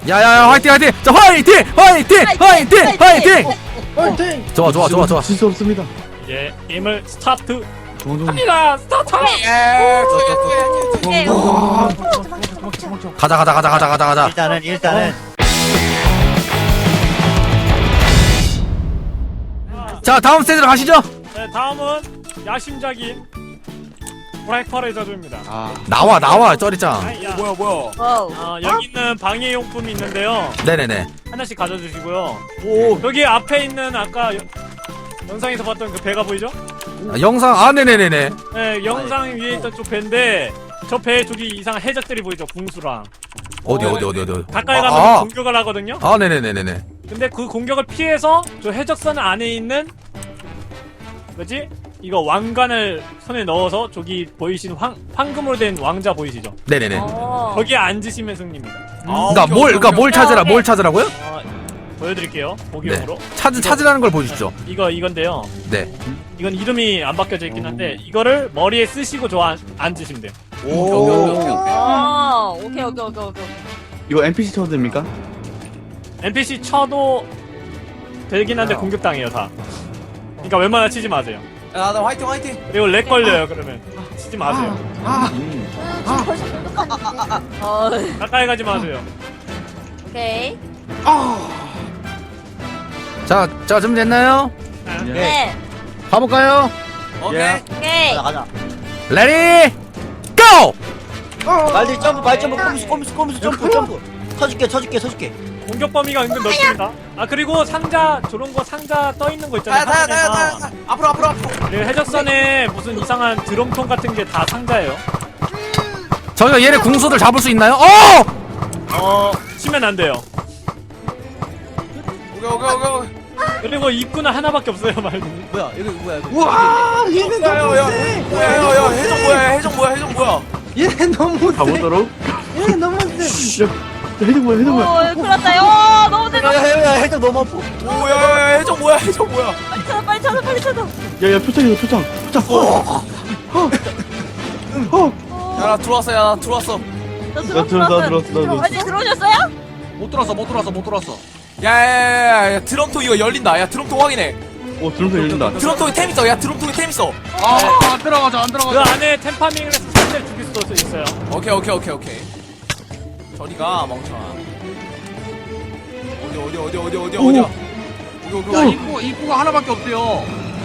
야야야 화이팅 화이팅. 자 화이팅 화이팅 화이팅 화이팅. 화이팅! 좋아. 질수 없습니다. 예, 게임을 스타트 정정. 합니다. 스타트. 오케이. 가자. 일단은 자 다음 스테이지로 가시죠. 네, 다음은 야심작인 브라이퍼의 저주입니다. 나와 쩌리짱. 야, 와우. 여기 있는 방해용품이 있는데요. 네네네. 하나씩 가져주시고요. 오, 여기 앞에 있는 아까 영상에서 봤던 그 배가 보이죠? 영상 네네네네. 네, 영상 위에 있던 쪽 배인데 저 배 저기 이상한 해적들이 보이죠? 궁수랑. 어디. 가까이 가면 공격을 하거든요. 네네네네네. 근데 그 공격을 피해서 저 해적선 안에 있는 뭐지? 이거 왕관을 손에 넣어서 저기 보이신 황금으로 된 왕자 보이시죠? 네네네. 거기에 앉으시면 승리입니다. 그러니까 뭘 찾으라고요? 보여드릴게요. 보기용으로. 찾으라는 걸 보여주시죠. 이건데요. 네. 이건 이름이 안 바뀌어져 있긴 한데 이거를 머리에 쓰시고 앉으시면 돼요. 오케이. 이거 NPC 쳐도 됩니까? NPC 쳐도 되긴 한데 공격당해요 다. 그러니까 웬만하면 치지 마세요. 나 화이팅. 그리고 렉 걸려요 그러면. 치지 마세요. 가까이 가지 마세요. 오케이. 자 준비됐나요? 네. 가볼까요? 오케이. 오케이. 가자. 레디 고! 말들 점프 꼼수 점프. 쳐줄게. 공격 범위가 은근 넓습니다. 그리고 상자 저런 거 상자 떠 있는 거 있잖아요. 다. 앞으로. 그리고 해적선에 무슨 이상한 드럼통 같은 게 다 상자예요. 저희가 얘네 궁수들 잡을 수 있나요? 치면 안 돼요. 오케이. 그리고 입구는 하나밖에 없어요 말님. 뭐야 이거. 우와, 얘는 너무 야, 세. 해적 뭐야? 얘 너무 세. 가보도록. 얘 너무 세. 야, 해적 뭐야? 오, 큰일 났다. 너무 대박. 야 해적 너무 아파. 오야, 해적 뭐야? 빨리 찾아. 야, 표창. 야, 나 들어왔어. 들어왔어. 아직 들어오셨어요? 못 들어왔어. 야, 드럼통 이거 열린다. 야, 드럼통 확인해. 드럼통 열린다. 드럼통에 템 있어. 야, 드럼통에 템 있어. 안 들어가자. 그 안에 템파밍을 해서 상자를 죽일 수도 있어요. 오케이. 저리가 멍청아. 어디야? 입구가 하나밖에 없대요.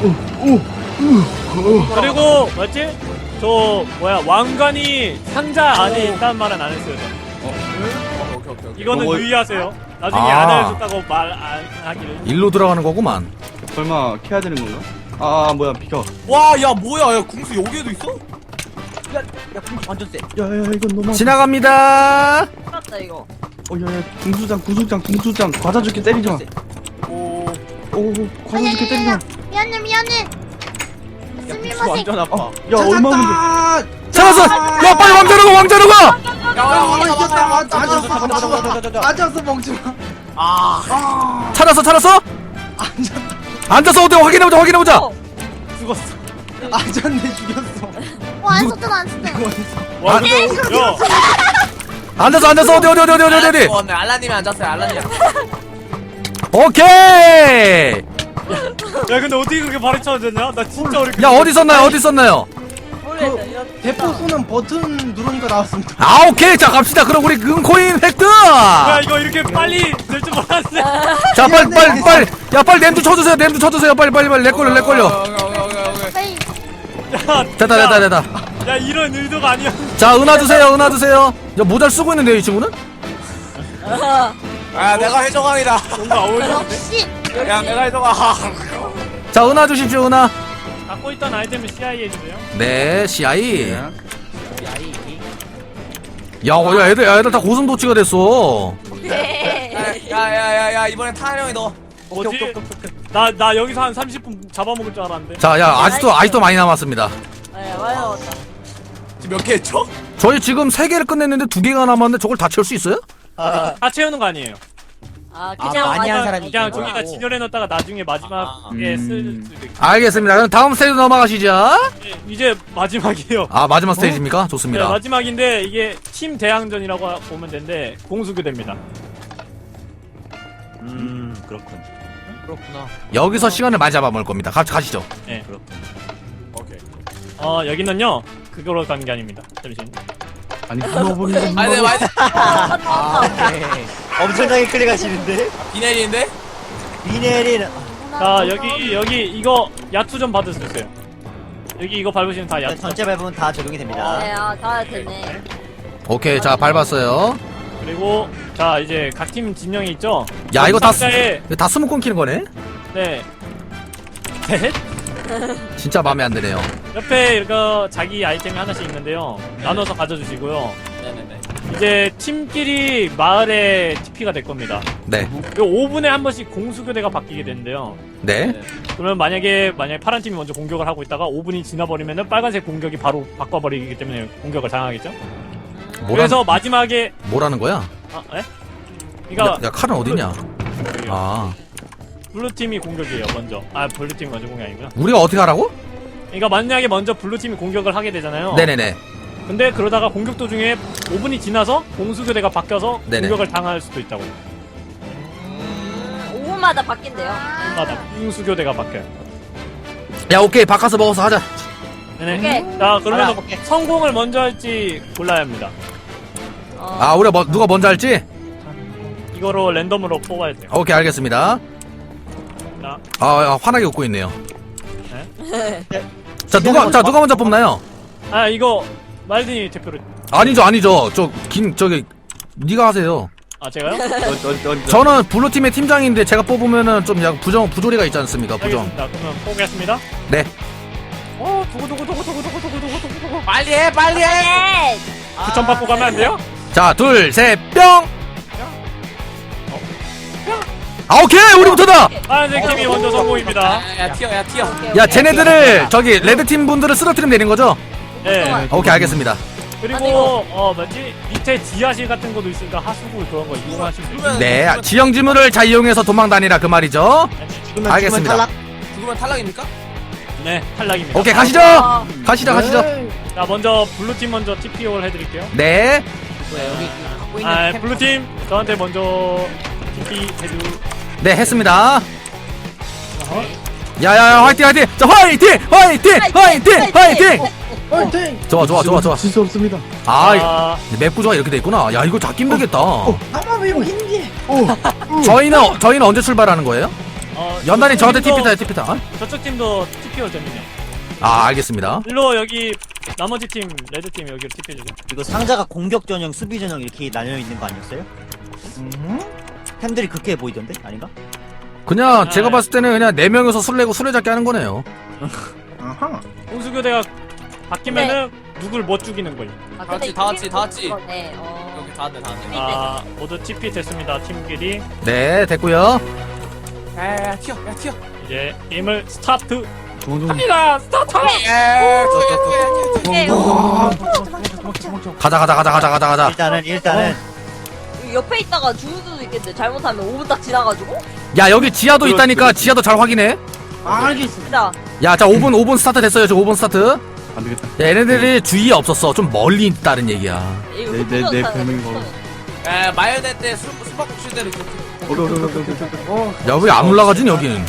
그리고 뭐지? 저 왕관이 상자 안에 있다는 말은 안 했어요. 오케이. 이거는 유의하세요. 나중에 아. 안 알려줬다고 말 안 하기를. 일로 들어가는 거구만. 설마 캐야 되는 건가? 뭐야, 비켜. 와, 야, 뭐야? 야, 궁수 여기에도 있어? 야 완전 세. 야, 이건 너무. 지나갑니다. 맞다 이거. 야, 궁수장. 과자 줄게 때리지 마. 오, 과자 줄게 때리지 마. 미안해. 스미마셍. 완전 아파. 야, 얼마 문제. 찾았어. 야 빨리 왕자로 가. 앉았어, 멍청아. 찾았어? 앉아서 어디 확인해보자. 죽었어. 앉았네, 죽였어. 안 썼잖아. 와, 근데 야, 앉아서 어디. 좋았네. 알라님이 앉았어요. 알라님. 오케이. 야, 근데 어떻게 그렇게 발이 쳐졌냐? 나 진짜 어렵게. 야 어디 썼나요? 모르겠어. 대포 쏘는 버튼 누르니까 나왔습니다. 오케이. 자 갑시다. 그럼 우리 은코인 획득. 야, 이거 이렇게 빨리 될 줄 몰랐네. 자 빨리. 야 빨리 냄새 쳐주세요. 빨리 내 걸려. 오케이. 야, 됐다. 야, 이런 의도가 아니야. 자 은하 드세요. 야 모자를 쓰고 있는데요 이 친구는? 아, 내가 해적왕이다. 뭔가 어울리는데? 역시. 야, 내가 해적왕. 자 은하 주십시오 은하. 갖고 있던 아이템을 CIA 해주세요. 네 CI. 야 애들 다 고슴도치가 됐어. 네. 야, 이번엔 타령이 너. 뭐지? 나 여기서 한 30분 잡아먹을 줄 알았는데. 자 야 아직도 많이 남았습니다. 네, 많이 나왔다. 지금 몇 개 했죠? 저희 지금 3개를 끝냈는데 2개가 남았는데 저걸 다 채울 수 있어요? 다 채우는 거 아니에요. 그냥 많이 한 사람이 그냥 있구나. 저기다 진열해 넣었다가 나중에 마지막에 쓸 수도 있고. 알겠습니다. 그럼 다음 스테이지 넘어가시죠. 이제 마지막이에요. 마지막 스테이지입니까? 네, 좋습니다. 마지막인데 이게 팀 대항전이라고 보면 되는데 공수교대입니다. 그렇군. 그렇구나. 여기서 시간을 많이 잡아먹을 겁니다. 가시죠. 네. 오케이. 여기는요. 그거로 가는 게 아닙니다. 잠시만요. 아니 끊어버리는 아니 네 맞아. 엄청나게 클릭하시는데? 비 내리는데? 비 내리는. 자, 여기 이거 야투 좀 받을 수 있어요. 여기 이거 밟으시면 다 야투. 전체 밟으면 다 적용이 됩니다. 네, 다 되네. 오케이, 자 밟았어요. 그리고 자, 이제 각 팀 진영이 있죠? 야, 이거 상자에 다 스무 끊기는 거네. 네. 셋. 진짜 마음에 안 드네요. 옆에 이거 자기 아이템이 하나씩 있는데요. 나눠서 가져주시고요. 네네네. 이제 팀끼리 마을에 TP가 될 겁니다. 네, 요 5분에 한 번씩 공수교대가 바뀌게 되는데요. 네. 그러면 만약에 파란 팀이 먼저 공격을 하고 있다가 5분이 지나버리면은 빨간색 공격이 바로 바꿔버리기 때문에 공격을 당하겠죠. 그래서 마지막에 뭐라는 거야? 예? 그러니까 야, 칼은 어디냐? 아, 블루 팀이 공격이에요 먼저. 블루 팀이 먼저 공격이 아니구나. 우리가 어떻게 하라고? 그러니까 만약에 먼저 블루 팀이 공격을 하게 되잖아요. 네네네. 근데 그러다가 공격 도중에 5분이 지나서 공수교대가 바뀌어서 네네. 공격을 당할 수도 있다고. 5분마다 바뀐대요. 맞아. 공수교대가 바뀌어요. 야, 오케이, 바꿔서 먹어서 하자. 네네. 오케이. 자, 그러면 알아, 오케이. 성공을 먼저 할지 골라야 합니다. 아, 우리가 누가 먼저 할지? 이거로 랜덤으로 뽑아야 돼요. 오케이, 알겠습니다. 자, 화나게 웃고 있네요. 네? 자, 누가 먼저 뽑나요? 이거 말든이 대표로. 아니죠. 저기 네가 하세요. 제가요? 저는 블루팀의 팀장인데 제가 뽑으면은 좀 약간 부조리가 있지 않습니까? 부정. 알겠습니다. 그러면 포기했습니다. 네. 두구두구두구두구두구두구두구. 빨리 해 빨리 해. 네. 추천 받고 가면 안 돼요? 자, 둘, 셋, 뿅! 오케이! 우리부터다! 파란색 팀이 먼저 성공입니다. 야 튀어. 야, 쟤네들을, 저기, 레드팀 분들을 쓰러뜨리면 되는 거죠? 네. 오케이, 알겠습니다. 그리고, 밑에 지하실 같은 것도 있으니까 하수구 그런 거 이용하시면 돼요. 네, 지형지물을 잘 이용해서 도망 다니라 그 말이죠. 알겠습니다. 죽으면 탈락입니까? 네, 탈락입니다. 오케이, 가시죠! 가시죠. 자, 먼저, 블루팀 먼저 TPO를 해드릴게요. 네. 여기 갖고 있는 템 블루팀, 저한테 먼저 TP 해주. 네, 했습니다. 야야야, 화이팅! 자, 화이팅! 좋아. 질 수 없습니다. 맵 구조가 이렇게 돼 있구나. 야, 이거 잡기 힘들겠다. 아마비로 힘기. 저희는 언제 출발하는 거예요? 연단이 저한테 TP타. 저쪽 팀도 TPO 됩니다. 알겠습니다. 일로 여기 나머지 팀 레드 팀 여기로 TP 해주세요. 이거 상자가 공격 전형, 수비 전형 이렇게 나뉘어 있는 거 아니었어요? 템들이 그렇게 보이던데? 아닌가? 그냥 제가 봤을 때는 그냥 4명이서 술래잡기 하는 거네요. 공수교대가 바뀌면은 누굴 못 죽이는 거예요. 다 같이. 네. 여기 다 왔네. 모두 TP 됐습니다. 팀끼리 네, 됐고요. 야 튀어. 이제 게임을 스타트 좋은 합니다. 스타트. 가자. 일단은 옆에 있다가 죽을 수도 있겠는데 잘못하면 5분 딱 지나가지고. 야, 여기 지하도 있다니까 지하도 잘 확인해. 알겠습니다. 야, 자, 5분 스타트 됐어요. 저 5분 스타트. 안 되겠다. 야, 얘네들이 주위에 없었어. 좀 멀리 있다는 얘기야. 내 별명이 바로. 마요네 때 수박국수대로 그렇게. 야, 왜 안 올라가지, 여기는?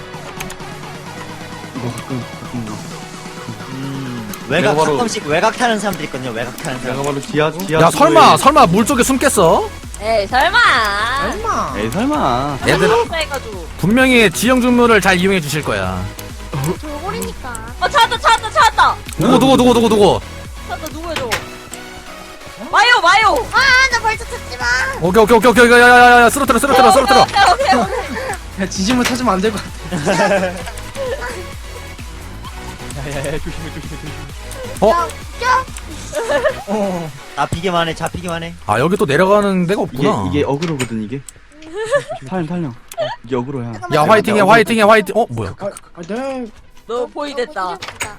이거 가끔 외곽 내가 바로- 가끔씩 외곽 타는 사람들 있거든요. 외곽 타는 내가 사람. 바로 지하. 야, 설마 물 쪽에 숨겠어? 에이 설마. 에이 설마. 얘들 해가지고. 분명히 지형주물을 잘 이용해 주실 거야. 돌고리니까. 찾았다. 누구? 찾았다 누구야 저거? 마요. 나 벌써 찾지 마. 오케이. 야, 쓰러뜨려. 오케이. 야 지짐을 찾으면 안 될 것 같아. 잡히기만 해. 여기 또 내려가는 데가 없구나. 이게 어그로거든 이게. 탈령. 이게 어그로야. 야, 화이팅해. 뭐야? 너 포위됐다.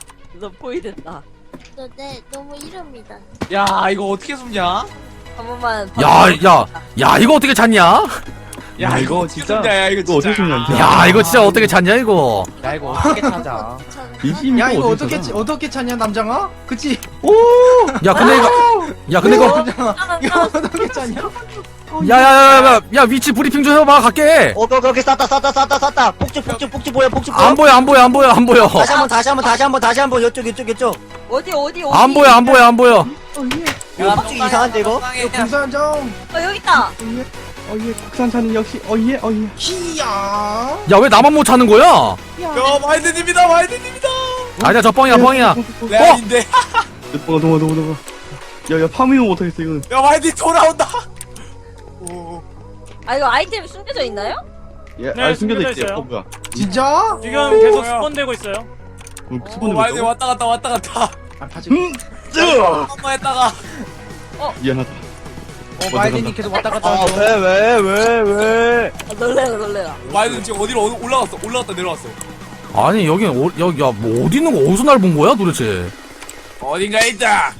네, 너무 이릅니다. 야 이거 어떻게 숨냐? 한 번만. 야, 이거 어떻게 찾냐? 야 이거 진짜. 야 이거 이거 어떻게 숨냐 진짜. 야, 이거 진짜 어떻게 찾냐, 이거? 야 이거 어떻게 찾아? 야 이거 어떻게 찾냐 남장아? 그치? 야, 근데 이거. 이거 어떻게 찾냐? 야야야야 위치 브리핑 좀 해봐 갈게. 오케이 쐈다 폭주 보여 폭주 안 보여 안 보여 안 보여 안 보여. 다시 한번 이쪽 어디 안 보여 안 보여 안 보여. 야 폭주 이상한데 이거? 부산 좀. 여기 있다. 어예 국산차는 역시 어예. 히야. 야 왜 나만 못 찾는 거야? 야 와이드님이다 와이드님이다. 아니야 저 뻥이야 뻥이야. 내 아닌데. 도망가. 야 파밍은 못하겠어 이거는. 야 와이드 돌아온다. 오. 아 이거 아이템 숨겨져 있나요? 예, 네, 숨겨져 숨겨져 있어요. 있어요. 뭐야? 진짜? 지금 계속 스폰되고 있어요. 수분을 와이드 왔다 갔다. 아 바지. 한번 했다가. 미안하다. 마이든이 계속 왔다 갔다. 아 왜? 아, 놀래라. 와이드 지금 어디로 올라갔다 내려왔어. 아니 여기 여기 야뭐 어디 있는 거 어디서 날 본 거야 도대체? 어딘가에 있다.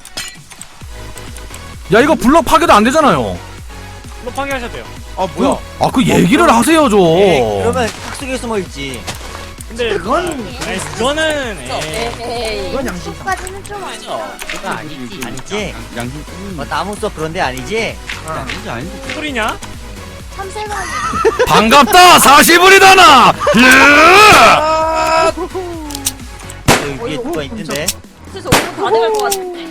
야 이거 블럭 파괴도 안 되잖아요. 로 파괴하셔도 돼요. 아 뭐야? 아 그 얘기를 하세요 좀. 그러면 탁속에 숨어있지. 근데 그거는 에이. 이건 양심. 까지는 좀 아니야. 아니지? 양심. 나무 숲 그런데 아니지? 아니지. 무슨 소리냐? 참새가 반갑다 40불이다 나. 여기 위에 누가 있던데? 그래서 오늘 다 돼갈 것 같은데.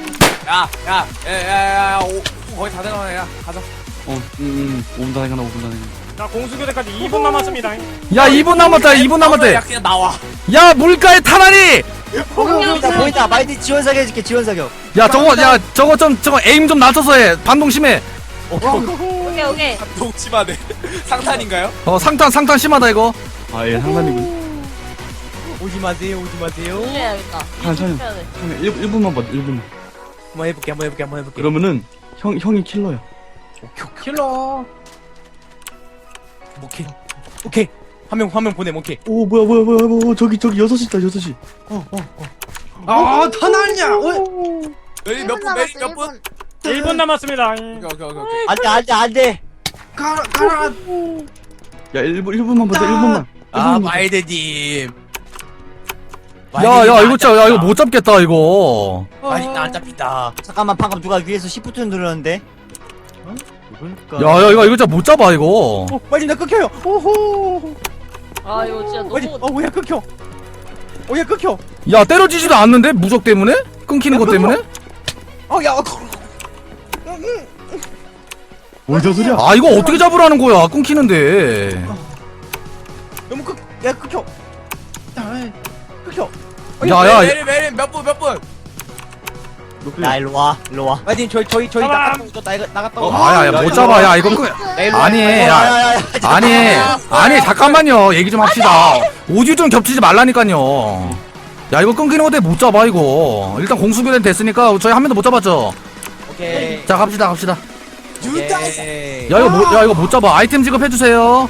야, 거의 다 돼가네. 야, 가자. 5분 다 해가나. 자 공수교대까지 2분 남았습니다. 야 2분 남았다 2분 남았대. 야, 그냥 나와. 야 물가에 타다니. 보인다 마이드 지원 사격 해줄게 지원 사격. 야 저거 에임 좀 낮춰서 해. 반동 심해. 오케이. 동치마네. 상탄인가요? 상탄 심하다 이거. 아예 상관이군. 오지 마세요. 놀래야겠다. 괜찮아요. 1분만 봐 1분만. 한번 해볼게. 그러면은 형이 킬러야. 킬러. 오케이. 화면 보내. 오케이. 오 뭐야 저기 6시다 6시. 아 타나냐? 메리 몇 분? 메리 몇 분? 1분 남았습니다. 오케이. 안돼. 가라. 야 1분만 보자 1분만. 마이드님. 야 이거 진짜 야 이거 못 잡겠다 이거. 맛있다 안 잡힌다. 잠깐만 방금 누가 위에서 시프트 누르는데? 야 이거 진짜 못 잡아 이거. 마이드 나 끊겨요. 아 이거 진짜 마이드 너무. 오야 끊겨. 오야 끊겨. 야 때려지지도 않는데 무적 때문에? 끊기는 것 때문에? 야. 뭘저 소리야? 아 이거 어떻게 잡으라는 거야 끊기는데. 너무 야 끊겨. 끊겨. 야야 메리 몇 분? 야 일로 와. 마이드님 저희 가만. 나갔다. 아야 못 잡아 야 이거 아니 잠깐만요 얘기 좀 합시다. 오디오 좀 겹치지 말라니까요. 야 이거 끊기는 것 때문에 못 잡아 이거. 일단 공수교대는 됐으니까 저희 한 명도 못 잡았죠. 오케이. 자 갑시다. 오케이. 야 이거 못 잡아. 아이템 지급해 주세요.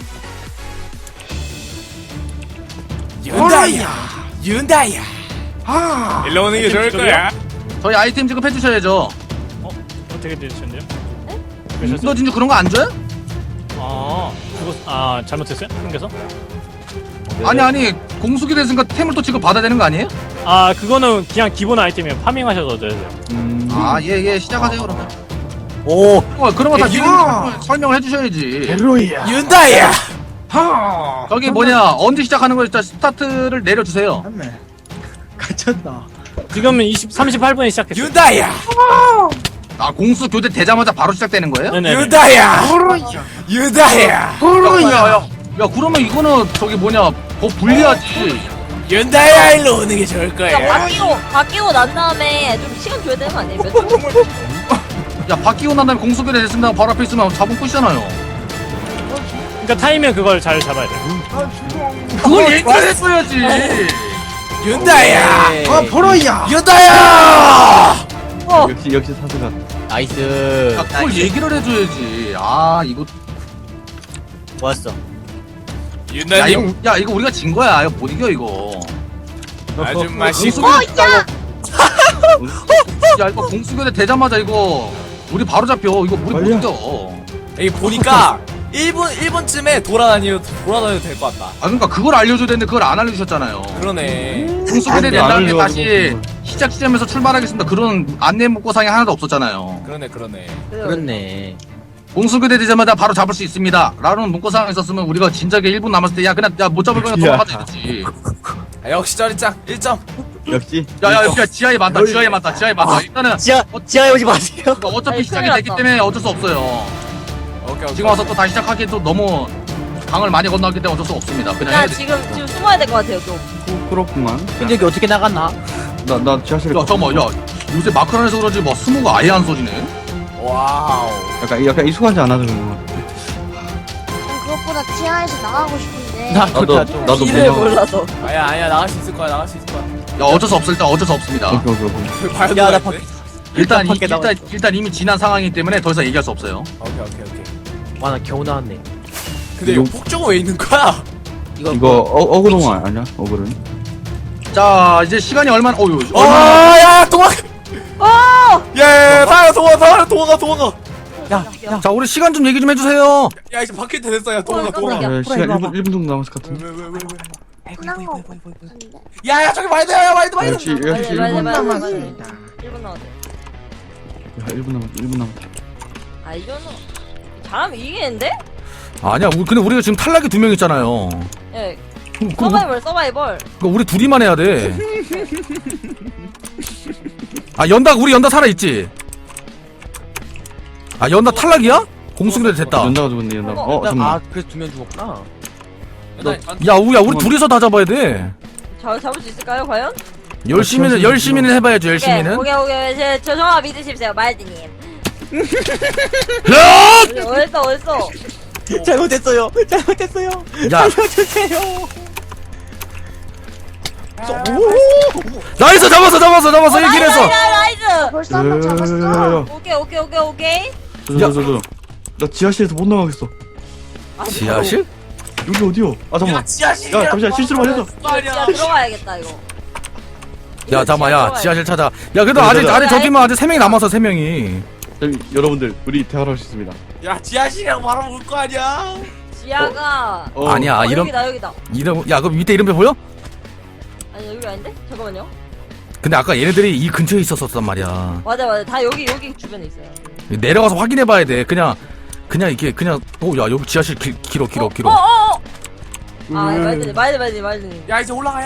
윤다야. 아. 일로 오는 게 좋을 거야. 저희 아이템 지급해 주셔야죠. 어떻게 되셨는데요? 너 진짜 그런 거 안 줘요? 잘못했어요? 생겨서? 아니 공수기 됐으니까 템을 또 지급 받아야 되는 거 아니에요? 그거는 그냥 기본 아이템이에요. 파밍하셔도 돼요. 예 시작하세요 그러면. 오 그런 거 다 지금 설명을 해주셔야지. 베로이야. 윤다야. 하. 저기 언제 시작하는 거 일단 스타트를 내려주세요. 맞네. 갇혔다. 지금은 38분에 시작했어요. 윤다야. 아 공수 교대 되자마자 바로 시작되는 거예요? 네네. 윤다야. 호로야. 윤다야. 야 그러면 이거는 더 불리하지. 윤다야 일로 오는 게 좋을 거야. 바뀌고 난 다음에 좀 시간 줘야 되는 거 아니에요? 몇 분? 야 바뀌고 난 다음에 공수 교대 됐습니다 바로 앞에 있으면 잡은 끝이잖아요. 그러니까 타이밍 그걸 잘 잡아야 돼요. 그걸 얘기했어야지. 윤다야. 아 보로야. 윤다야. 역시 사수가. 나이스. 야 그걸 얘기를 해줘야지. 아 이거 좋았어. 윤다님. 야 이거 우리가 진 거야. 이거 못 이겨 이거. 아줌마 공수 씨. 야 이거 공수교대 되자마자 이거 우리 바로 잡혀. 이거 우리 못 빨리야. 이겨. 여기 보니까 1분쯤에 돌아다녀도 될 것 같다. 아 그러니까 그걸 알려줘야 되는데 그걸 안 알려주셨잖아요. 그러네. 공수교대 된 안 다음에 알려가지고 다시 시작 지점에서 출발하겠습니다. 그런 안내 문구상이 하나도 없었잖아요. 그러네. 그렇네. 공수교대 되자마자 바로 잡을 수 있습니다 라는 문구사항 있었으면 우리가 진작에 1분 남았을 때 야 그냥 야 못 잡을 거면 야. 돌아가자 이랬지. 아, 역시 쩌리짱 1점. 역시. 야야 지하에 맞다 지하에 맞다 일단은 지하에 오지 마세요. 그러니까 어차피 아니, 시작이 큰일 됐기 났다. 때문에 어쩔 수 없어요. 오케이. 지금 와서 또 다시 시작하기 또 너무 강을 많이 건너기 때문에 어쩔 수 없습니다. 그냥 야 해야 돼. 지금 숨어야 될 것 같아요 좀. 그렇구만. 근데 여기 어떻게 나갔나? 나 지하실에. 야 잠깐만 야 요새 마크런에서 그런지 뭐 스모가 아예 안 쏘지네. 와우. 약간 익숙하지 않아서 그런 거. 그것보다 지하에서 나가고 싶은데. 나도 길을 몰라. 몰라서. 아니야 나갈 수 있을 거야. 야 어쩔 수 없어 일단 어쩔 수 없습니다. 오케이. 발도 야, 나 안 돼. 일단 밖에 나와 일단 이미 지난 상황이기 때문에 더 이상 얘기할 수 없어요. 오케이. 와 나 겨우 나왔네. 근데 이거 폭정은 왜 있는 거야? 이거 어그로만 아니야? 어그로는? 자 이제 시간이 얼마나 야 도망. 예, 사야 도망가. 자 우리 시간 좀 얘기 좀 해주세요. 야 이제 바뀔 때 됐어. 야 도망가. 깜짝이야. 시간 1분 정도 남았을 것 같은데. 끝난 거 같은데. 야 저기 말도 야 말도. 역시 맞아, 1분 맞아, 맞아. 남았습니다. 1분 남았네. 1분 남았다. 아 이거는 잘하면 이기는데? 아니야 근데 우리가 지금 탈락이 2명 있잖아요. 예. 그럼 서바이벌. 우리 둘이만 해야 돼. 아 우리 연다 살아있지? 아 연다 탈락이야? 공수교대 됐다. 연다가 죽었네 연다가. 잠깐만. 아 그래서 2명 죽었구나. 야 우리 둘이서 다 잡아야 돼. 잡을 수 있을까요 과연? 열심히는 해봐야죠 열심히는. 오케이. 저 정화 믿으십시오 말디님. 야! 어딨어? 잘못했어요. 야 나이스 잡았어 1킬 했어. 나이스. 벌써 한 명 잡았어. 오케이. 나 지하실에서 못 나가겠어. 지하실? 여기 어디요? 아 잠깐만. 지하실. 야 잠시만 실수를 많이 했어. 야 들어가야겠다 이거. 야 잠깐만 야 지하실 찾아. 야 그래도 아직 저기만 아직 3명이 남았어 3명이. 여러분들 우리 대화를 할 수 있습니다. 야 지하실이랑 바로 올 거 아니야? 지하가. 아니야 이름 여기다. 야 그럼 밑에 이름표 보여? 아니 여기 아닌데? 잠깐만요. 근데 아까 얘네들이 이 근처에 있었단 말이야. 맞아. 다 여기 주변에 있어요. 내려가서 확인해봐야 돼. 그냥 이게 그냥 야 여기 지하실 길어. 아 말드님. 야 이제 올라가.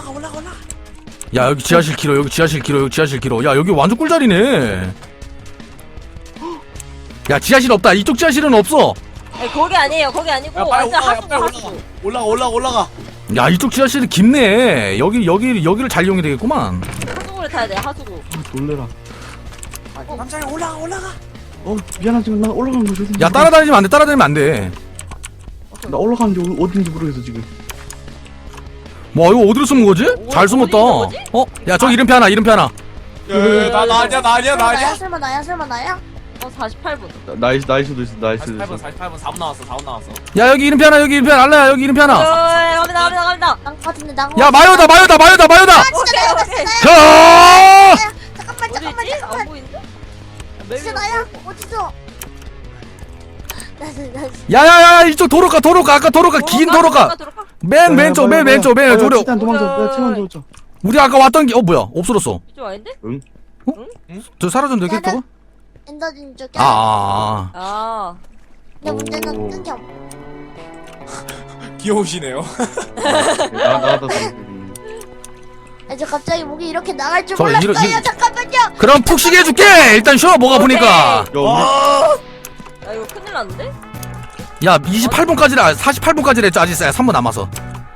야 여기 지하실 길어. 야 여기 완전 꿀자리네. 야 지하실 없다. 이쪽 지하실은 없어. 아니, 거기 아니에요. 거기 아니고 야 빨리 완전 올라가. 하수구. 올라가. 야 이쪽 지하실이 깊네. 여기를 잘 이용이 되겠구만. 하수구를 타야 돼. 하수구. 놀래라. 남자야 올라가. 미안하지만 나 올라가는 거 어딘지. 야 따라다니면 안 돼. 나 올라가는 게 어딘지 모르겠어 지금. 뭐 이거 어디로 숨은 거지? 잘 숨었다. 어디 있는 야 저기 이름표 하나. 나 아니야. 설마 나야? 48분. 나이스도 있어. 48분 4분 나왔어. 야 여기 이름표 하나. 알라야 여기 이름표 하나. 갑니다. 난 같은데 난. 야 마요다. 오케이. 야! 잠깐만. 어디지? 안 보이는데? 진짜 나야? 어디서? 나 야야야 이쪽 도로가 아까 도로가 긴 도로가 맨 왼쪽 도로. 일단 도망쳐. 나 채만 도망쳐. 우리 아까 왔던 게 뭐야 없어졌어. 이쪽 아닌데? 저 사라졌는데 캐릭터가? 엔더진 쪽에. 아. 근데 문제는 뜬겨. 귀여우시네요. 나갔다. 저 갑자기 목이 이렇게 나갈 줄 저 몰랐어요. 이러- 잠깐만요. 그럼 푹 쉬게 해줄게. 일단 쉬어 뭐가 보니까. 야 이거 큰일 났는데? 야 28분까지라 48분까지라 했죠. 아직 3분 남아서.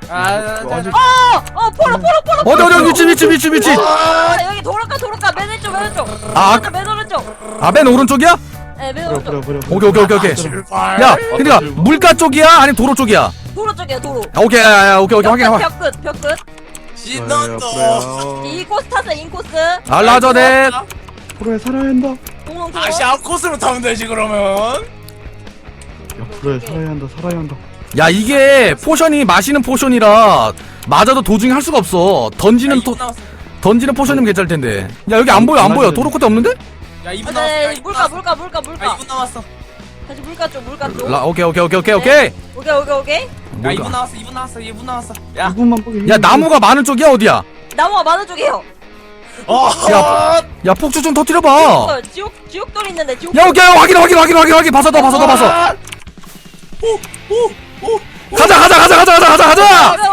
포로. 어디 위치. 여기 도로가 맨 왼쪽. 맨 오른쪽. 아 맨 오른쪽이야? 네, 맨 오른쪽. 버려. 오케이. 야 그러니까 물가 쪽이야 아니면 도로 쪽이야? 도로 쪽이야 도로. 오케이 확인. 벽 끝. 신난다. 인코스 탔어 인코스. 알라저넷. 프로에 살아야 한다. 공룡 다시 앞코스로 타면 되지 그러면. 야 프로에 살아야 한다. 야 이게 포션이 마시는 포션이라 맞아도 도중에 할 수가 없어. 던지는 포션이면 괜찮을 텐데. 야 여기 안 보여. 도로 끝에 없는데? 야 2분 네, 남았어. 물가. 2분 남았어. 다시 물가 쪽. 오케이. 오케이. 야 2분 남았어. 야 2분만 보게. 야 나무가 많은 쪽이야 어디야? 나무가 많은 쪽이에요. 야 폭주 좀 터뜨려봐. 어, 지옥돌 있는데 지옥. 야 오케이 확인 봐서 더 봐서. 가자.